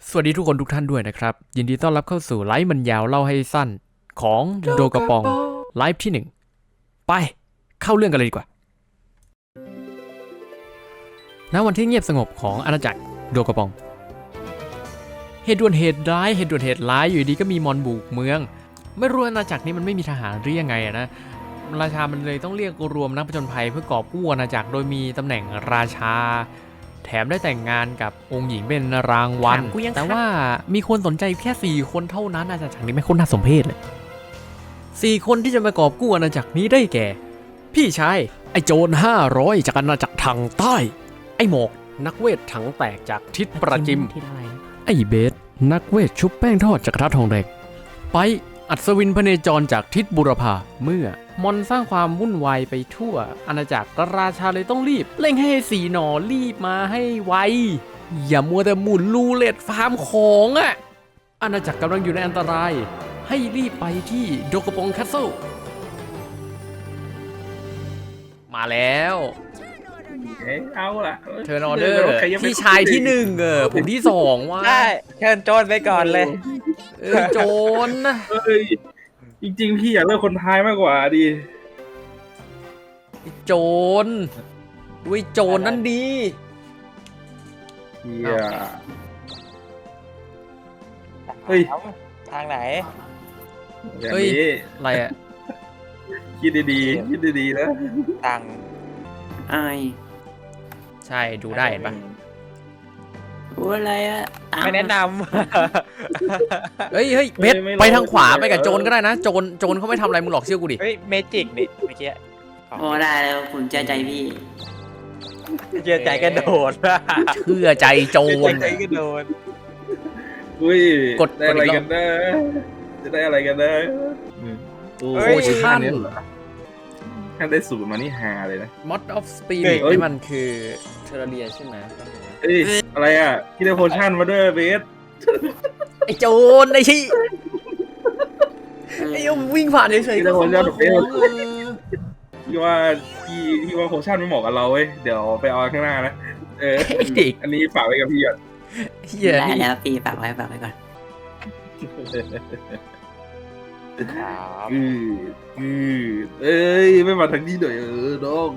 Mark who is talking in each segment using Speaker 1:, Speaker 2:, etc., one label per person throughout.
Speaker 1: สวัสดีทุกคนทุกท่านด้วยนะครับยินดีต้อนรับเข้าสู่ไลฟ์มันยาวเล่าให้สั้นของโดกระปองไลฟ์ที่1ไปเข้าเรื่องกันเลยดีกว่าณวันที่เงียบสงบของอาณาจักรโดกระปองเหตุด่วนเหตุร้ายอยู่ดีก็มีมอนบุกเมืองไม่รู้อาณาจักรนี้มันไม่มีทหารหรือยังไงนะราชามันเลยต้องเรียกรวมนักผจญภัยเพื่อกอบกู้อาณาจักรโดยมีตำแหน่งราชาแถมได้แต่งงานกับองค์หญิงเป็นรางวัลแต่ว่ามีคนสนใจแค่4คนเท่านั้นอาณาจักรนี้ไม่คนน่าสมเพชเลย4คนที่จะมากอบกู้อาณาจักรนี้ได้แก่พี่ชายไอโจร500จากอาณาจักรทางใต้ไอหมอกนักเวทถังแตกจากทิศประจิมไอเบสนักเวทชุบแป้งทอดจากกระทะทองแดงไปอัศวินพเนจรจากทิศบุรพาเมื่อมอนสร้างความวุ่นวายไปทั่วอาณาจักรราชาเลยต้องรีบเร่งให้สีหนอรีบมาให้ไวอย่ามัวแต่หมุนลูเล็ตฟาร์มของอาณาจักรกำลังอยู่ในอันตรายให้รีบไปที่โดกระปองแคสเซิลมาแล้ว
Speaker 2: เอาล่ะ
Speaker 1: เทิร์นออเดอร์พี่ชายที่1ผมที่2ว่า
Speaker 3: ได้เชิญโจนไปก่อนเลย
Speaker 1: โจรนะ
Speaker 2: จริงๆพี่อยากเลือกคนท้ายมากกว่าดิ
Speaker 1: โจรด้วยโจรนั่นดี
Speaker 2: เฮ้ย
Speaker 3: ทางไหน
Speaker 1: เฮ้ยอะไรอ่ะ
Speaker 2: คิดดีๆนะ
Speaker 3: ทาง
Speaker 4: ไอ
Speaker 1: ใช่ดูได้เห็นปะ
Speaker 4: อะไรอะ
Speaker 3: ไม่แนะน
Speaker 1: ำเฮ้ยเบสไปทางขวาไปกับโจรก็ได้นะโจรเขาไม่ทำอะไรมึงหรอกเชื่อกูดิ
Speaker 3: เฮ้ยเมจิกนี่เมื่อกี้
Speaker 4: โอ้ได้แล้วผมเชื่อใจพี่
Speaker 3: เชื่อใจกระโดด
Speaker 1: เชื่อใจโจร
Speaker 3: ใจกระโดด
Speaker 2: อุ้ยกดอะไรกันนะจะได้อะไรกันนะ
Speaker 1: โอ้ยท่าน
Speaker 2: ถ้าได้สูตรมานี่ฮาเลยนะ
Speaker 1: Mod of Spirit นี่มันคือเทอร์เรียใช่ไหม
Speaker 2: เอ้ยอะไรอ่ะที่ได้โพชั่นมาด้วยเบส
Speaker 1: ไอโจรไอชี้ไอวิ่งผ่านเฉยๆก็
Speaker 2: พี่ว่าโพชั่นไม่เหมาะกับเราเว้ยเดี๋ยวไปเอาข้างหน้านะอันนี้ฝากไว้กับพี่ก่อน
Speaker 4: ได้แล้วพี่ฝากไว้ก่อน
Speaker 2: เอ้ยไม่มาทางนี้หน่อยน้อง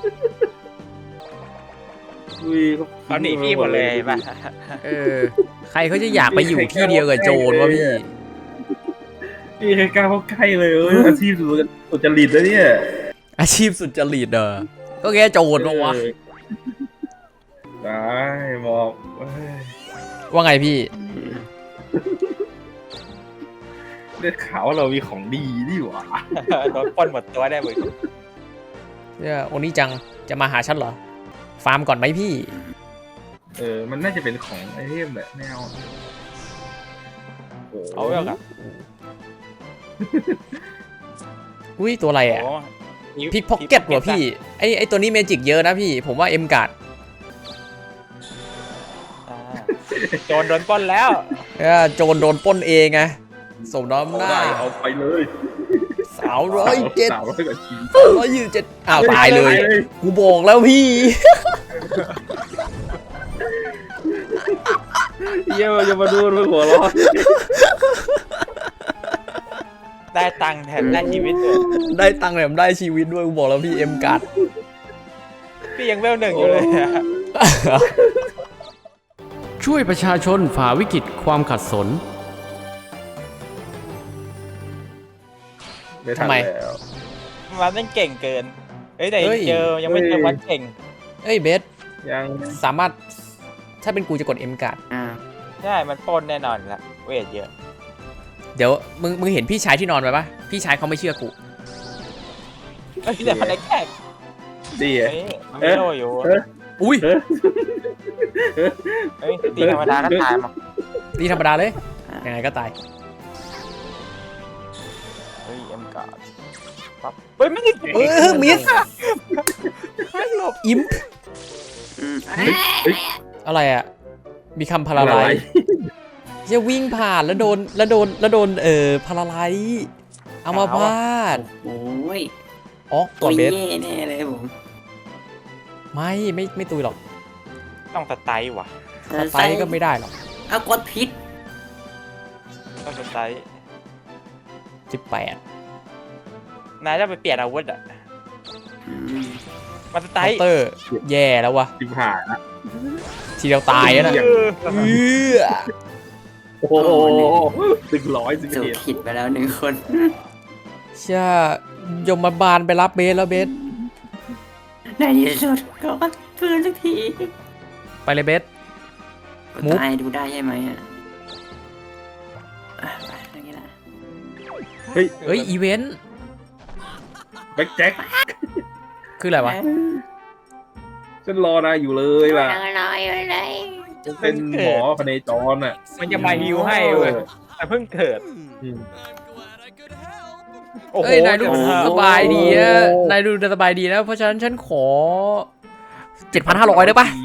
Speaker 3: เขาหนีพี่หมดเลยป่ะ
Speaker 1: ใครเขาจะอยากไปอยู่ที่เดียวกับโจรวะ
Speaker 2: พี่ใครกล้าเข้าใกล้เลยอาชีพสุจริตนะเนี่ย
Speaker 1: อาชีพสุจริตก็แค่โจรวะ
Speaker 2: ได้บอก
Speaker 1: ว่าไงพี่
Speaker 2: ได้ข่าวว่าเรามีของดีนี่หว่า
Speaker 3: โดนปล้นหมดตัวได้เว้ย
Speaker 1: เนี่ยโอนี่จังจะมาหาฉันเหรอฟาร์มก่อนไหมพี่
Speaker 2: มันน่าจะเป็นของไอเทมแหละไม่เอา
Speaker 3: เอาเรื่องอ่ะ
Speaker 1: อุ้ยตัวอะไรอ่ะพิกพ็อกเก็ตเหรอพี่ไอตัวนี้เมจิกเยอะนะพี่ผมว่าเอ็มการ์ด
Speaker 3: โจรโดนปล้นแล้ว
Speaker 1: โจรโดนปล้นเองไงสมน้ำหน้า
Speaker 2: เอาไปเลย
Speaker 1: 307อ้าวตายเลยกูบอกแล้วพี่
Speaker 2: อย่ามาดูด้วยหัวร้อน
Speaker 3: ได้ตังค์แถมได้ชีวิตด้วย
Speaker 1: ได้ตังค์แถมได้ชีวิตด้วยกูบอกแล้วพี่เอ็มการ์ด
Speaker 3: พี่ยังเวล1อยู่เลย
Speaker 1: ช่วยประชาชนฝ่าวิกฤตความขัดสนทำไม
Speaker 3: มันเล่นเก่งเกินแต่ยังไม่เจอวันเก่ง
Speaker 1: เบส
Speaker 2: ยัง
Speaker 1: สามารถถ้าเป็นกูจะกด M การ์ด
Speaker 3: ใช่มันปนแน่นอนละเวทเยอะ
Speaker 1: เดี๋ยวมึงเห็นพี่ชายที่นอนไปปะพี่ชายเขาไม่เชื่อกู
Speaker 3: แต่มันได้แค่
Speaker 2: ดี
Speaker 3: มันไม่โดนอยู่
Speaker 1: อุ้ย
Speaker 3: ตีธรรมดาก็ตายมั้ง
Speaker 1: ตีธรรมดาเลยยังไงก็ตาย
Speaker 3: เฮ้ยไม่ได้
Speaker 1: มิส
Speaker 3: ไม่หลบ
Speaker 1: อิมอะไรอ่ะมีคำพาราไลจะวิ่งผ่านแล้วโดนพาราไลเอามาพาด
Speaker 4: โอ้ย
Speaker 1: ตัวเบส
Speaker 4: แน่เลยผม
Speaker 1: ไม่ตุยหรอก
Speaker 3: ต้องสไตล์ว่ะ
Speaker 1: สไตล์ก็ไม่ได้หรอก
Speaker 4: เอากดพิษ
Speaker 3: ต้องสไตล์
Speaker 1: 18
Speaker 3: นายจะไปเปลี่ยนอาวุธอ่ะ
Speaker 4: อืม
Speaker 3: มันสไต
Speaker 1: เคา
Speaker 3: ล์
Speaker 1: น์เตอร์แย่แล้ววะ
Speaker 2: จิบหายนะ
Speaker 1: ทีเดียวตายแล้วนะ
Speaker 3: เออ
Speaker 2: โอ้โห100
Speaker 4: สู่
Speaker 2: 11
Speaker 4: ผิดไปแล้ว1 คน
Speaker 1: เชื่อยมบาลไปรับเบสแล้วเบส
Speaker 4: ในที่สุดก็ฟื้นสักที
Speaker 1: ไปเลยเบส
Speaker 4: กด
Speaker 1: มุก
Speaker 4: ตายดูได้ใช่ไหมอ่ะไปอย่างนี้ละ
Speaker 2: เฮ้ย
Speaker 1: เฮ้ยอีเวนต์
Speaker 2: แบ็คแจ็ค
Speaker 1: คืออะไรวะ
Speaker 2: ฉันรอนายอยู่เลยล่ะ
Speaker 4: น้อยเลย
Speaker 2: เป็นหมอพเนจรอ่ะ
Speaker 3: มันจะมาฮิวให้เว้ยแต่เพิ่งเกิด
Speaker 2: อืม
Speaker 3: โอ้โห
Speaker 1: เอ้ยนายดู
Speaker 3: เดี๋ว
Speaker 1: สบายดีนะนายดูสบายดีนะเพราะฉะนั้นฉันขอ 7,500ได้ปะ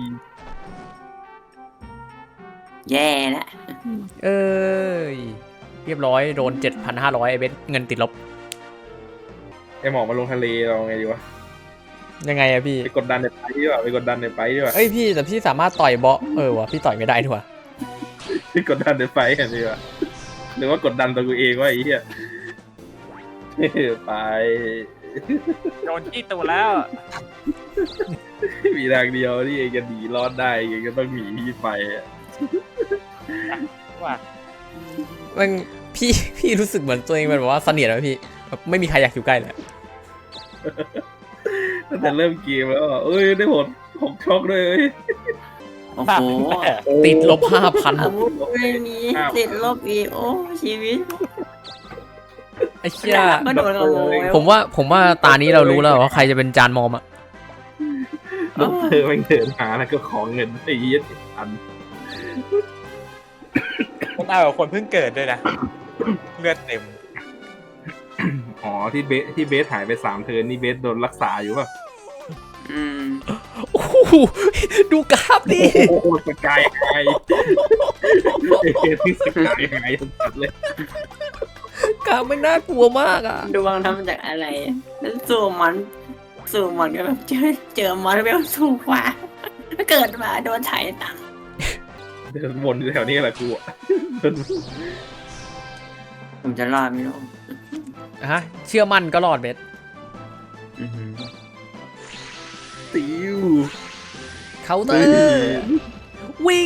Speaker 4: แย่ละ
Speaker 1: เอ้ยเรียบร้อยโดน 7,500ไอ้เบสเงินติดลบ
Speaker 2: ไอหมอมาลงทะเลเราไงดีวะ
Speaker 1: ยังไงอะพี่
Speaker 2: ไปกดดันในไปดีกว่าไปกดดันในไปดีกว่า
Speaker 1: เอ้ยพี่แต่พี่สามารถต่อยเบาะวะพี่ต่อยไม่ได้ด้วย
Speaker 2: ไปกดดันในไปกันดีกว่าหรือว่ากดดันตัวกูเองว่าไอ้เหี้ยไป
Speaker 3: โดนที่ตัวแล้ว
Speaker 2: มีทางเดียวที่เองจะหนีรอดได้เองก็ต้องหนีที่ไปอะ
Speaker 3: ว่า
Speaker 1: มันพี่รู้สึกเหมือนตัวเองแบบว่าเสนียดไหมพี่แบบไม่มีใครอยากอยู่ใกล้เลย
Speaker 2: ตั้งแต่เริ่มเกมแล้วอะเอ้ยได้ผล6 ช็อกเลย
Speaker 4: โอ้โห
Speaker 1: ติดลบ 5,000
Speaker 4: ไม่มีติดลบอีกโอ้ชีวิต
Speaker 1: ไอ้เชี่ย
Speaker 4: ก็โดนขโมย
Speaker 1: ผมว่าตานี้เรารู้แล้วว่าใครจะเป็นจานมอมอะ
Speaker 2: ดอกเตอร์แม่งเดินหาแล้วก็ขอเงินไอ้เหี้ยอัน
Speaker 3: คนเอากับคนเพิ่งเกิดด้วยนะเลือดเต็ม
Speaker 2: อ๋อที่เบสหายไป3 เทิร์นนี่เบสโดนรักษาอยู่ป่ะ
Speaker 4: อืม
Speaker 1: โอ้โหดูกราฟดิ
Speaker 2: โอ้โหสกายไฮที่สกายไฮสุดเลย
Speaker 1: กราฟไม่น่ากลัวมากอะ
Speaker 4: ดวงทำจากอะไรแล้วสู้มันก็แบบเจอมันเวลสูงกว่าเกิดมาโดนไถ่ตังค์
Speaker 2: เดินวนอยู่แถวนี้แหละกูอะเดิน
Speaker 4: ผมจะรอดไหมลูก
Speaker 1: ฮะเชื่อมั่นก็รอดเบส
Speaker 2: ติว
Speaker 1: เคาน์เตอร์ วิ่ง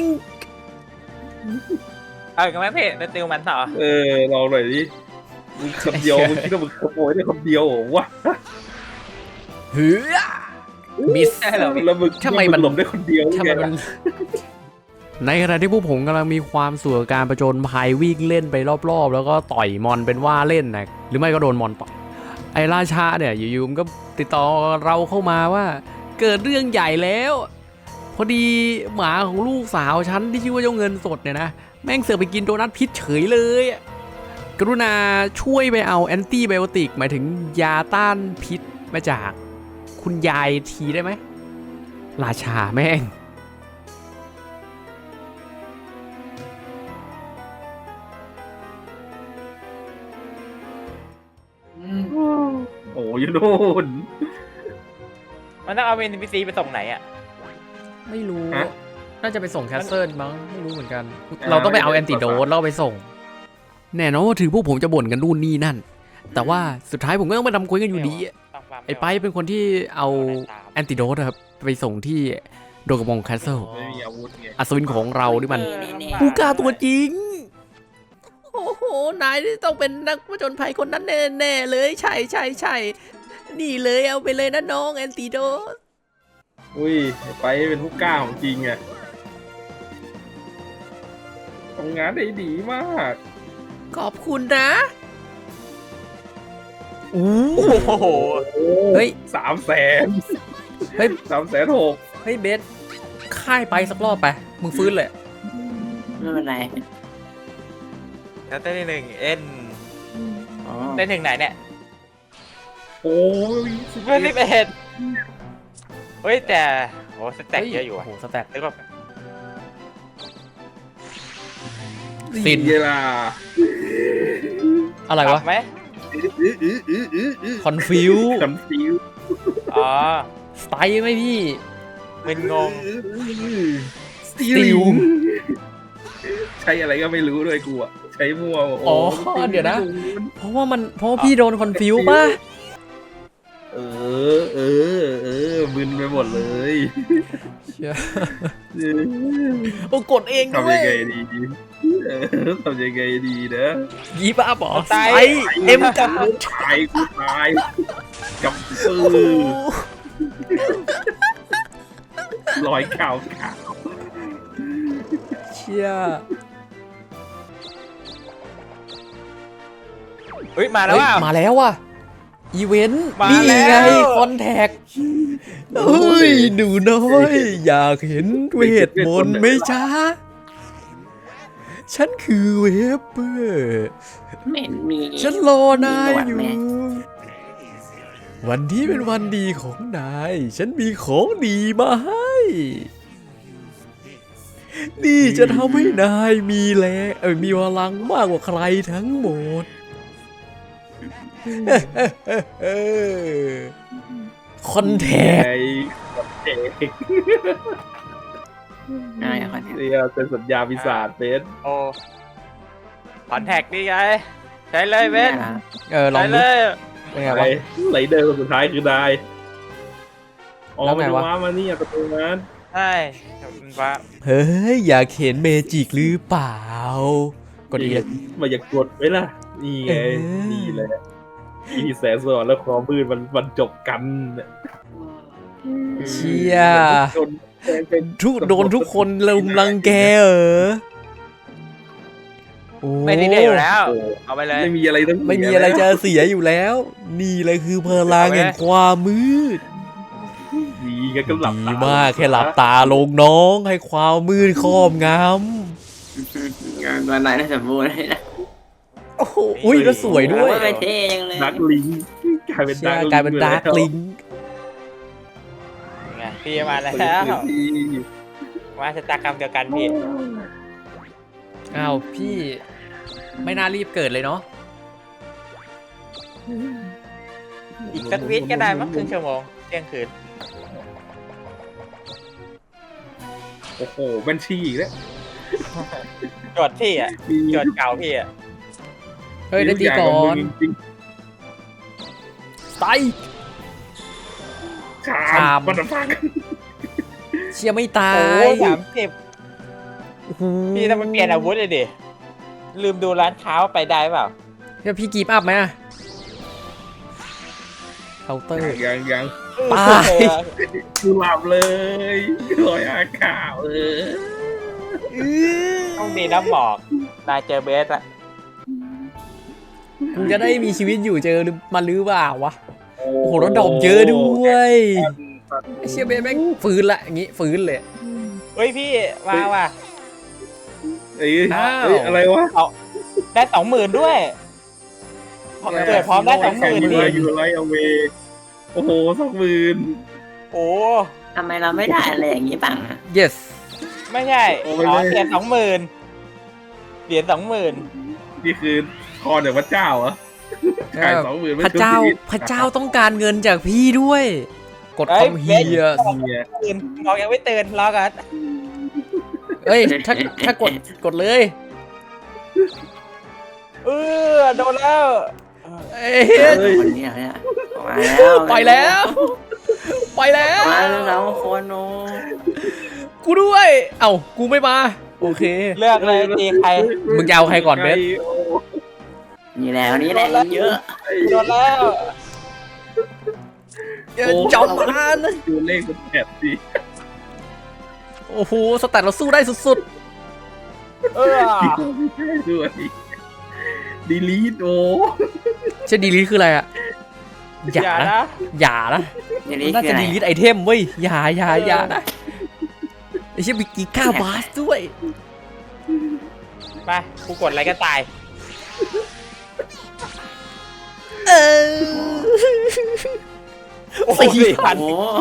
Speaker 3: เอาอีกันไหมเพ่จะติวมันต่อ
Speaker 2: ลองหน่อยดิมึงคนเดียวมึงคิดว่ามึงขโมยได้คนเดียวเหรอวะ
Speaker 1: เหือมิส
Speaker 2: แล้วมึง
Speaker 1: ทำไมมัน
Speaker 2: หลบได้คนเดียว
Speaker 1: ทำไมมันในขณะที่พวกผมกำลังมีความสุขกับการประจนภัยวิ่งเล่นไปรอบๆแล้วก็ต่อยมอนเป็นว่าเล่นนะหรือไม่ก็โดนมอนต่อยไอ้ราชาเนี่ยอยู่ๆมันก็ติดต่อเราเข้ามาว่าเกิดเรื่องใหญ่แล้ว พอดีหมาของลูกสาวฉันที่ชื่อว่าเจ้าเงินสดเนี่ยนะแม่งเสือกไปกินโดนัทพิษเฉยเลยกรุณาช่วยไปเอาแอนตี้ไบโอติกหมายถึงยาต้านพิษมาจากคุณยายทีได้ไหมราชาแม่ง
Speaker 2: โอ้ยโน่น
Speaker 3: มันต้องเอาเป็น NPC ไปส่งไหนอ่ะ
Speaker 1: ไม่รู้
Speaker 2: ฮะ
Speaker 1: น่าจะไปส่งแคสเซิลมั้งไม่รู้เหมือนกัน เราต้องไปเอาแอนติโดสแล้วไปส่ง แน่นอนว่าถึงพวกผมจะบ่นกันนู่นนี่นั่น แต่ว่าสุดท้ายผมก็ต้องไปทำคุยกันอยู่ดีอะไอ้ไปเป็นคนที่เอาแอนติโดสครับไปส่งที่โดกระบองแคสเซิล
Speaker 2: ไม่มีอาวุธไง
Speaker 1: อัศวินของเราที่มัน
Speaker 4: นี่
Speaker 1: ผู้กล้าตัวจริง โอ้โห นายที่ต้องเป็นนักผจญภัยคนนั้นแน่ๆเลย ใช่นี่เลยเอาไปเลยนะน้องแอนติโดส
Speaker 2: อุ้ยไปเป็นผู้กล้าของจริงอะทำงานได้ดีมาก
Speaker 1: ขอบคุณนะอู้
Speaker 3: โอ้โห
Speaker 1: เฮ้ย
Speaker 2: 300,000
Speaker 1: เฮ้ย
Speaker 2: 360,000
Speaker 1: เฮ้ยเบสค่ายไปสักรอบไป มึงฟื้นเลย
Speaker 4: ไม่เป็นไร
Speaker 3: แล้วเต้นที่หนึ่งเอ็น
Speaker 4: อ๋อ
Speaker 3: เต้นถึงไหนเนี่ย
Speaker 2: โอ้ย
Speaker 3: เพื่อน11เฮ้ยแต่โหสแต็กเยอะอยู่
Speaker 1: โอ้
Speaker 3: อ่ะ
Speaker 1: โหสแต็ก
Speaker 3: นึกว่า
Speaker 1: สิน
Speaker 2: เวลา
Speaker 1: อะไรวะ
Speaker 3: ปบไหม
Speaker 1: คอนฟิว
Speaker 2: คอนฟิว
Speaker 3: อ๋อ
Speaker 1: สไตล์ไหมพี่
Speaker 3: มึนงง
Speaker 2: สติลช้อะไรก็ไม่รู้ด้วยกูอะใช้มั่ว
Speaker 1: อ๋อเดี๋ยวนะ เพราะว่าพี่โดนคอนฟิวป่ะ
Speaker 2: เออมึนไปหมดเลย
Speaker 1: เชี่ยโอ้กดเองด้ว
Speaker 2: ทำ
Speaker 1: ย
Speaker 2: ยังไงดีทำยังไงดีนะ
Speaker 1: ยีบ้าบอ
Speaker 3: ตาย
Speaker 1: ไอเอ็มจัด
Speaker 2: กูตายกับรอยข่าว
Speaker 1: เชี่ย
Speaker 3: เฮ้ยมาแล้วว่า
Speaker 1: มาแล้วว่ะอีเวนต์
Speaker 3: มา
Speaker 1: นี่
Speaker 3: แล้ว
Speaker 1: ไงคอนแทคเฮ้ยหนูน้อย อยากเห็นเวทมนต์ไหมจ๊ะฉันคือเวฟเปอร์
Speaker 4: ไม่มี
Speaker 1: ฉันรอนาย
Speaker 4: มีหนวด
Speaker 1: อยู่
Speaker 4: ไหม
Speaker 1: วันนี้เป็นวันดีของนาย ฉันมีของดีมาให้ นี่จะทำให้นายมีแรงมีพลังมากกว่าใครทั้งหมด คอนแทค
Speaker 2: ไอ้
Speaker 4: อะไรคนนี้
Speaker 2: เนี่ยเป็นสัญญาปีศาจเบส
Speaker 3: โอ้คอนแทคนี่ไงใช้เลยเบน
Speaker 1: ลอ
Speaker 3: ใช้
Speaker 1: ง
Speaker 3: เล
Speaker 1: ดู
Speaker 3: ย
Speaker 1: เป็นไง
Speaker 2: ไร
Speaker 1: วะ
Speaker 2: ไรเดอร์คนสุดท้ายคือนายอ๋อ
Speaker 1: แล้วไง
Speaker 2: มัน
Speaker 1: วะ
Speaker 2: ว้ามานี่ประตูนั้น
Speaker 3: ใช่มันว่า
Speaker 1: เฮ้ย อยากเห็นเมจิกหรือเปล่า กดอีก
Speaker 2: มันอยากกดไว้ล่ะนี่ไงนี่แหละที่แสงสว่างและความมืดมันจบกัน
Speaker 1: เชี่ย
Speaker 2: จนเป็น
Speaker 1: โดนทุกคนลุมรังแกเหรอโอ้
Speaker 3: ไม่ได้เดีอยู่แล้ว
Speaker 2: โอ้
Speaker 3: เอาไปเลย
Speaker 2: ไม่มีอะไรต้อง
Speaker 1: ไม่มีอะไรจะเสียอยู่แล้ว นี่เลยคือพลังแห่งความมืด
Speaker 2: ดีกันก็หลับ
Speaker 1: ดี
Speaker 2: ตาม
Speaker 1: ากแค่หลับตาลงน้องให้ความมืดครอบง
Speaker 4: วันไหนน่าจะบูเลยนะ
Speaker 1: ำโอ้โหอุ้ยแล้วสวยด้วย
Speaker 4: ไม่เท่ยังเลย
Speaker 2: ดักลิงกลายเป็น
Speaker 1: เชี่
Speaker 2: ดั
Speaker 1: ย
Speaker 2: กลิง
Speaker 1: กลายเป็นดาร์กลิง
Speaker 3: ไงพี่มาแล้ว
Speaker 2: พี่
Speaker 3: มาชะตากรรมเดียวกันพี่
Speaker 1: อ้าวพี่ไม่น่ารีบเกิดเลยเนาะ
Speaker 3: อีกสักวิก็ได้มั้งครึ่งชั่วโมงเที่ยงคืน
Speaker 2: โอ้โหบัญชีอีกแล้ว
Speaker 3: จดพี่อ่ะ
Speaker 2: มี
Speaker 3: จดเก่าพี่อ่ะ
Speaker 1: เฮ้ยได้ตีก่อน
Speaker 2: จริง
Speaker 1: ไต
Speaker 2: ๆ
Speaker 1: ชา
Speaker 2: ชาม มมันฟัง
Speaker 1: เชียไม่ตา
Speaker 3: โอ้
Speaker 1: ย
Speaker 3: 30พี่ต้องไปเปลี่ยนอาวุธเลยดิลืมดูร้านค้าว่าไปได้เปล่า
Speaker 1: พี่กีบอัพไหมอะเคาน์เตอร์
Speaker 2: ยัง
Speaker 1: ตาย
Speaker 2: กูหลับเลยลอยอากาศเลย
Speaker 3: ต้องดีน้ำหมอกนายเจอเบสอะ
Speaker 1: กูจะได้มีชีวิตอยู่เจอมันหรือเปล่าวะ โอ้โหแล้วดอกเยอะด้วยไอเชียเบนแม่งฟื้นละอย่างงี้ฟื้นเลย
Speaker 3: เฮ้ยพี่มาว่ะ
Speaker 2: เอ้ย
Speaker 1: อ้าว
Speaker 2: เอ้ยอะไรวะ
Speaker 3: ได้20,000ด้วยเกิดพร้อมได้
Speaker 2: แข่ง
Speaker 3: 20,000
Speaker 2: ยู
Speaker 3: พี่
Speaker 2: ไรยูไรเอาเวโอ้โห20,000
Speaker 3: โอ้
Speaker 4: ทำไมเราไม่ได้อะไรอย่างนี้บ้างอะ
Speaker 1: yes
Speaker 3: ไม่ใช่
Speaker 2: โอ้ไม่
Speaker 3: อ๋อ
Speaker 2: ได้
Speaker 3: เหรียญ20,000เหรียญ20,000
Speaker 2: นี่คือคอเดี๋ยวพระเจ้าเหรอขาย20,000
Speaker 1: พระเจ้าพระเจ้าต้องการเงินจากพี่ด้วย กดคอมเฮีย
Speaker 2: เนี่ย
Speaker 3: ตื่นมองยังไม่ตื่นรอกัน
Speaker 1: เอ้ยถ้ากดเลย
Speaker 3: โดนแล้ว
Speaker 1: เอ้ย
Speaker 4: คนเนี้ยเนี่ยมาแล้ว
Speaker 1: ไปแล้วไปแล้ว
Speaker 4: มาแล้วโคนโน
Speaker 1: กูด้วย เอ้ากูไม่มาโอเค
Speaker 3: เลือกเลยตีใคร
Speaker 1: มึงจะเอาใครก่อนเบส
Speaker 4: นี่แล้วนี่แหละเยอะ
Speaker 3: โดนแล้ว
Speaker 1: จอมมาน
Speaker 2: ดูเลขมันแอบดี
Speaker 1: โอ้โหสแตทเราสู้ได้สุด
Speaker 2: ด้วยดีลีทโอ้
Speaker 1: ๆจะดีลีทคืออะไรอะอย่านะอย่านะ
Speaker 4: อย่างนี้
Speaker 1: น่า
Speaker 4: คือ
Speaker 1: จะ
Speaker 4: อะไร
Speaker 1: ดีลิทไอเทมเว้ยอย่านะไอเชี่ยมีกีก้าบาสด้วย
Speaker 3: ไปกูกดอะไรก็ตาย
Speaker 1: เออ
Speaker 3: โอ้โห
Speaker 4: โอ้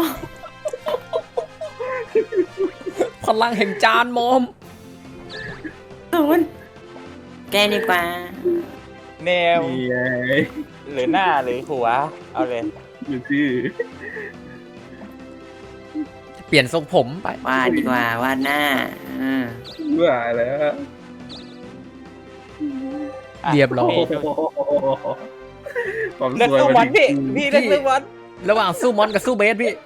Speaker 1: พลังแห่งจานมอม
Speaker 4: ศูนย์แกดีกว่า
Speaker 3: เนม
Speaker 2: นี่ไง
Speaker 3: หรือหน้าหรือหัว เอาเลย
Speaker 2: อยู่ชื่อ
Speaker 1: เปลี่ยนทรงผมไป
Speaker 4: วาดดีกว่าวาดหน้า
Speaker 2: เบื่อแล้ว
Speaker 1: เรียบร้อย
Speaker 2: โอ้โหความ
Speaker 3: เลือก
Speaker 2: สวย
Speaker 3: สู้
Speaker 2: มา
Speaker 3: มัน
Speaker 2: ถึ
Speaker 3: พี่
Speaker 2: ง
Speaker 3: พี่เลือกสู้มัน
Speaker 1: ระหว่างสู้มอนกับสู้เบสพี่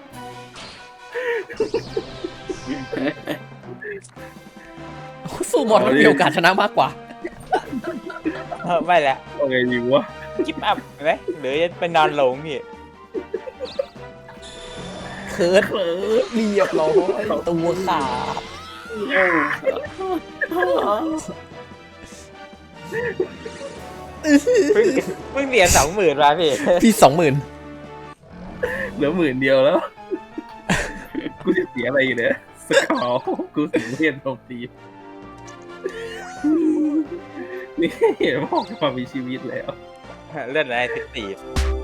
Speaker 1: สู้มอนมันมีโอกาสชนะมากกว่า
Speaker 3: ไม่ละ
Speaker 2: โอเคดีวะ
Speaker 3: กิฟต์อัพไหมหรือจะไปนอนหลงพี่
Speaker 1: เคิร์ดเรียบร้อยตัวขาด
Speaker 3: เพิ่งเรียน20,000มาพี่
Speaker 1: พี่20,000
Speaker 2: เหลือ10,000เดียวแล้ว กูจะเสียอะไรอยู่เนี่ยสกอร์กูเสียเรียนโจมตีนี่เห็นพ่อมามีชีวิตแล้ว
Speaker 3: เลื่อนอะไร14